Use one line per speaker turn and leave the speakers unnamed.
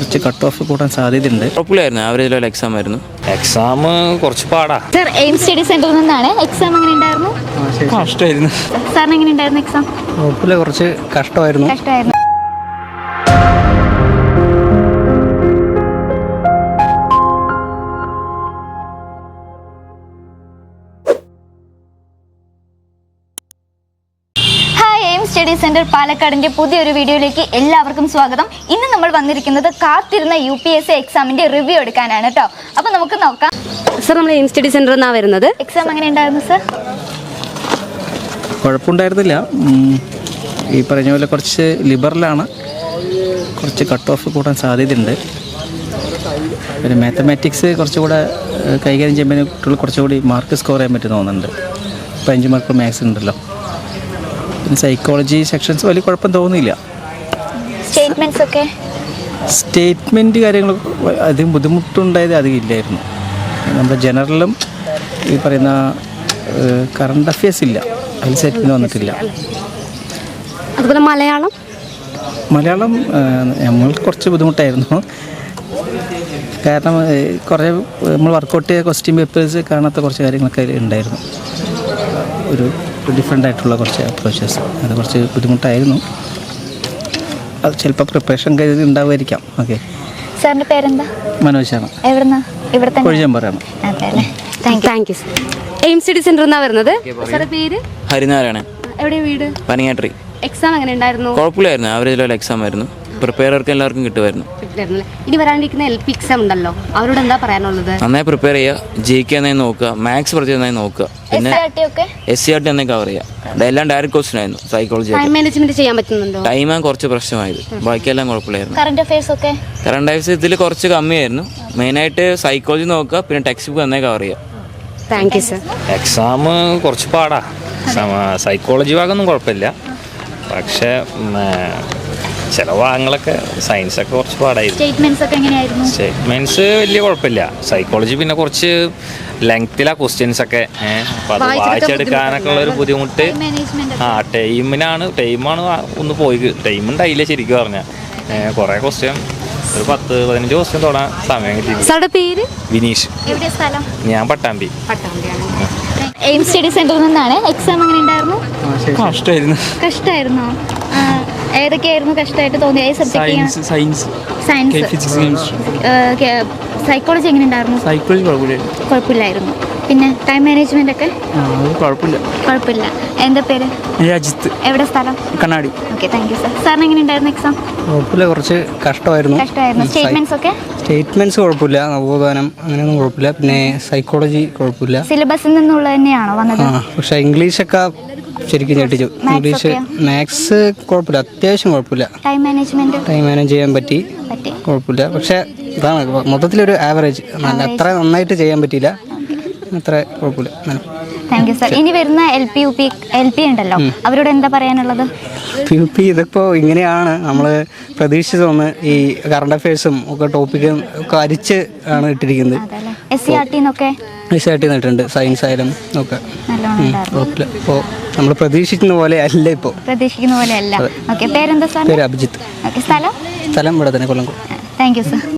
കുറച്ച് cut off കൂടാൻ സാധ്യതയുണ്ട്.
കുഴപ്പമില്ലായിരുന്നു, ആവറേജ് ലെവൽ എക്സാം ആയിരുന്നു.
എക്സാം കുറച്ച് പാടാ.
സർ, എയിം സ്റ്റഡി സെന്ററിൽ നിന്നാണ്. എക്സാം എങ്ങനെ ഉണ്ടായിരുന്നു?
കഷ്ടമായിരുന്നു.
സാറിന് എങ്ങനെ ഉണ്ടായിരുന്നു എക്സാം?
കുഴപ്പമില്ല, കുറച്ച് കഷ്ടമായിരുന്നു.
സ്റ്റഡി സെന്റർ പാലക്കാടിന്റെ പുതിയൊരു വീഡിയോയിലേക്ക് എല്ലാവർക്കും സ്വാഗതം. ഇന്ന് നമ്മൾ വന്നിരിക്കുന്നത് കാത്തിരുന്ന UPSC എക്സാമിന്റെ റിവ്യൂ എടുക്കാനാണ് കേട്ടോ. അപ്പൊ നമുക്ക് നോക്കാം.
സർ, നമ്മൾ എയിം സ്റ്റഡി സെന്ററിൽ നിന്നാണ് വരുന്നത്.
എക്സാം എങ്ങനെ ഉണ്ടായിരുന്നു സർ?
കുഴപ്പമുണ്ടായിരുന്നില്ല. ഈ പറഞ്ഞ പോലെ കുറച്ച് ലിബറലാണ്, കുറച്ച് കട്ട് ഓഫ് കൂടാൻ സാധ്യതയുണ്ട്. പിന്നെ മാത്തമാറ്റിക്സ് കുറച്ചുകൂടെ കൈകാര്യം ചെയ്യുമ്പോൾ കുട്ടികൾ കുറച്ചുകൂടി മാർക്ക് സ്കോർ ചെയ്യാൻ പറ്റും തോന്നുന്നുണ്ട്. 5 മാർക്ക് മാത്സ് ഉണ്ടല്ലോ. പിന്നെ സൈക്കോളജി സെക്ഷൻസ് വലിയ കുഴപ്പം തോന്നിയില്ല. സ്റ്റേറ്റ്മെൻറ്റ് കാര്യങ്ങൾ അധികം ബുദ്ധിമുട്ടുണ്ടായത് അധികം ഇല്ലായിരുന്നു. നമ്മുടെ ജനറലും ഈ പറയുന്ന കറണ്ട് അഫയേഴ്സ് ഇല്ല, അതിൽ സ്റ്റേറ്റ്മെൻറ്റ് വന്നിട്ടില്ല.
അതുപോലെ മലയാളം
നമ്മൾക്ക് കുറച്ച് ബുദ്ധിമുട്ടായിരുന്നു. കാരണം കുറേ നമ്മൾ വർക്കൗട്ട് ചെയ്ത ക്വസ്റ്റ്യൻ പേപ്പേഴ്സ് കാണാത്ത കുറച്ച് കാര്യങ്ങളൊക്കെ ഉണ്ടായിരുന്നു. ഒരു ഡിഫറെൻ്റ് ആയിട്ടുള്ള കുറച്ച് അപ്രോച്ചസ്, അത് കുറച്ച് ബുദ്ധിമുട്ടായിരുന്നു. അത് ചിലപ്പോൾ പ്രിപ്പറേഷൻ കരുതി ഉണ്ടാവുമായിരിക്കാം. ഓക്കെ.
സാറിൻ്റെ പേരെന്താ?
മനോജാണ്. കൊഴിഞ്ഞമ്പറാണ്.
Thank you. എയിം സ്റ്റഡി സെന്ററിൽ നിന്നാണ് വരുന്നത്. സാറിന്റെ പേര്?
ഹരിനാരായണൻ.
എവിടെയാണ് വീട്?
പനിയാട്രി.
എക്സാം എങ്ങനെ ഉണ്ടായിരുന്നു?
കുഴപ്പമില്ലായിരുന്നു, ആവറേജ് ലെവൽ എക്സാം ആയിരുന്നു. പ്രിപ്പയർക്ക് എല്ലാവർക്കും കിട്ടുമായിരുന്നു.
ഇനി വരാനിരിക്കുന്ന LP എക്സാം ഉണ്ടല്ലോ, അവരോട് എന്താ പറയാനുള്ളത്?
നന്നായി പ്രിപ്പയർ ചെയ്യുക, ജയിക്കുക നന്നായി നോക്കുക, മാത്സ് പ്രത്യേകം നന്നായി നോക്കുക. പിന്നെ SCRT നന്നായി കവർ ചെയ്യുക. എല്ലാം ഡയറക്റ്റ് ക്വസ്റ്റ്യൻ ആയിരുന്നു. സൈക്കോളജി
ടൈം മാനേജ്മെന്റ് ചെയ്യാൻ പറ്റുന്നുണ്ടോ?
ടൈമാണ് കുറച്ച് പ്രശ്നമായത്, ബാക്കിയെല്ലാം കുഴപ്പമില്ലായിരുന്നു.
കറണ്ട് അഫയേഴ്സ്
ഇതിൽ കുറച്ച് കമ്മിയായിരുന്നു. മെയിനായിട്ട് സൈക്കോളജി നോക്കുക, പിന്നെ ടെക്സ്റ്റ് ബുക്ക് നന്നായി കവർ ചെയ്യുക.
Thank you sir.
എക്സാം കുറച്ച് പാടാ. സൈക്കോളജി ഭാഗമൊന്നും കുഴപ്പമില്ല, പക്ഷേ ചില ഭാഗങ്ങളൊക്കെ സയൻസൊക്കെ കുറച്ച് പാടായിരുന്നു. സ്റ്റേറ്റ്മെന്റ്സ് വലിയ കുഴപ്പമില്ല. സൈക്കോളജി പിന്നെ കുറച്ച് ലെങ്ത്തിലാ ക്വസ്റ്റ്യൻസ് ഒക്കെ. അപ്പോൾ അത് വായിച്ചെടുക്കാനൊക്കെ ഉള്ളൊരു ബുദ്ധിമുട്ട്. ടൈമാണ് ഒന്ന് പോയി. ടൈം ഉണ്ടായില്ല ശരിക്കും പറഞ്ഞാൽ. കുറേ ക്വസ്റ്റ്യൻ, ഒരു 10-15 ക്വസ്റ്റ്യൻ തൊടാൻ സമയം കിട്ടി. വിനീഷ്. ഞാൻ പട്ടാമ്പി.
എയിം സ്റ്റഡി സെന്ററിൽ നിന്നാണ്. എക്സാം എങ്ങനെ ഉണ്ടായിരുന്നു? കഷ്ടമായിരുന്നോ? ഏതൊക്കെയായിരുന്നു കഷ്ടമായിട്ട് തോന്നിയ?
സയൻസ്,
സൈക്കോളജി എങ്ങനെ ഉണ്ടായിരുന്നു? കുഴപ്പമില്ലായിരുന്നു. പിന്നെ ടൈം മാനേജ്മെന്റ് ഒക്കെ കുഴപ്പമില്ല. എന്താ പേര്?
അജിത്ത്.
എവിടെ സ്ഥലം?
Kannadi.
Okay, thank you sir. സാറിന് എങ്ങനെ ഉണ്ടായിരുന്നു എക്സാം?
കുഴപ്പമില്ല, കുറച്ച് കഷ്ടമായിരുന്നു. സ്റ്റേറ്റ്മെന്റ്സ് കുഴപ്പമില്ല, നവോത്ഥാനം അങ്ങനെയൊന്നും കുഴപ്പമില്ല. പിന്നെ സൈക്കോളജി കുഴപ്പമില്ല.
സിലബസിൽ നിന്നുള്ള തന്നെയാണോ വന്നത്?
പക്ഷെ ഇംഗ്ലീഷൊക്കെ ശരിക്കും ഞെട്ടിച്ചു. ഇംഗ്ലീഷ്, മാത്സ് കുഴപ്പമില്ല, അത്യാവശ്യം കുഴപ്പമില്ല. ടൈം മാനേജ് ചെയ്യാൻ പറ്റി, കുഴപ്പമില്ല. പക്ഷെ ഇതാണ് മൊത്തത്തിലൊരു ആവറേജ്. അത്ര നന്നായിട്ട് ചെയ്യാൻ പറ്റിയില്ല, അത്ര കുഴപ്പമില്ല.
Thank you sir. ഇനി വരുന്ന LP ഉണ്ടല്ലോ, അവരോട് എന്താ പറയാനുള്ളത്?
UP ഇതിപ്പോൾ ഇങ്ങനെയാണ് നമ്മൾ പ്രതീക്ഷിച്ചതൊന്ന്. ഈ കറണ്ട് അഫയേഴ്സും ഒക്കെ ടോപ്പിക്കും ഒക്കെ അരിച്ച് ആണ് ഇട്ടിരിക്കുന്നത്. SCRT ഇട്ടിട്ടുണ്ട്, സയൻസ് ആയാലും ഒക്കെ കുഴപ്പമില്ല. ഇപ്പോൾ നമ്മൾ പ്രതീക്ഷിക്കുന്ന പോലെ അല്ല. ഇപ്പോൾ
പേര് അഭിജിത്ത്.
സ്ഥലം ഇവിടെ തന്നെ, കൊല്ലം.
Thank you sir.